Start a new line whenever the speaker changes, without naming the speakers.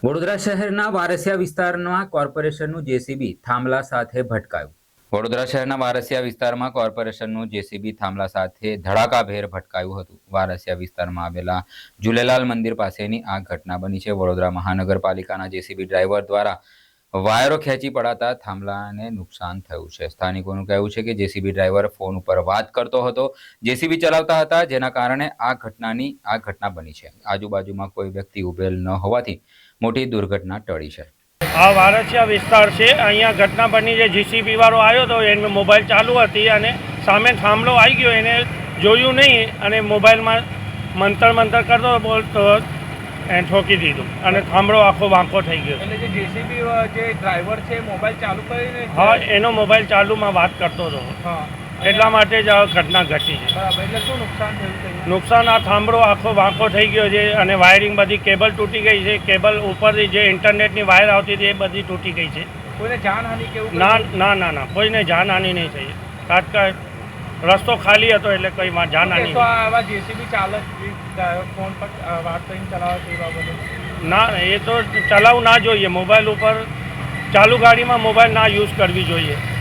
વડોદરા શહેરના વારસિયા વિસ્તારમાં કોર્પોરેશનનું જેસીબી થાંભલા સાથે ભટકાયું। વડોદરા શહેરના વારસિયા વિસ્તારમાં કોર્પોરેશનનું જેસીબી થાંભલા સાથે ધડાકાભેર ભટકાયું હતું। વારસિયા વિસ્તારમાં આવેલા ઝૂલેલાલ મંદિર પાસેની આ ઘટના બની છે। વડોદરા મહાનગરપાલિકાના જેસીબી ડ્રાઈવર દ્વારા વાયરો ખેંચી પડાતા થાંભલાને નુકસાન થયું છે। સ્થાનિકોનું કહેવું છે કે જેસીબી ડ્રાઈવર ફોન ઉપર વાત કરતો હતો, જેસીબી ચલાવતા હતા, જેના કારણે આ ઘટના બની છે। આજુબાજુમાં કોઈ વ્યક્તિ ઉભેલ ન હોવાથી મોટી દુર્ઘટના ટળી છે।
આ વારસિયા વિસ્તાર છે, અહીંયા ઘટના બની છે। જીસીબી વાળો આવ્યો તો એને મોબાઈલ ચાલુ હતી અને સામે થાંભલો આવી ગયો, એને જોયું નહીં અને મોબાઈલમાં મંતર કરતો બોલતો એને ઠોકી દીધું અને થાંભલો આખો વાંકો થઈ ગયો।
એટલે જે જેસીબી જે ડ્રાઈવર છે મોબાઈલ ચાલુ કરીને
હા, એનો મોબાઈલ ચાલુમાં વાત કરતો હતો,
હા,
એટલા માટે જ આ ઘટના ઘટી છે।
બરાબર। એટલે શું નુકસાન થયું છે?
નુકસાન આ થાંભલો આખો વાંકો થઈ ગયો છે અને વાયરિંગ બધી કેબલ તૂટી ગઈ છે। કેબલ ઉપરથી જે ઇન્ટરનેટની વાયર આવતી હતી એ બધી તૂટી ગઈ છે।
કોઈને જાનહાનિ કેવું?
ના, કોઈને જાનહાનિ નહીં થઈ। તાત્કાલિક રસ્તો ખાલી હતો એટલે કંઈ જાનહાનિ
તો આવા જેસીબી ચાલક ફોન પર વાત કરીને ચલાવે તે બાબતે
ના, એ તો ચલાવવું ના જોઈએ। મોબાઈલ ઉપર ચાલુ ગાડીમાં મોબાઈલ ના યુઝ કરવી જોઈએ।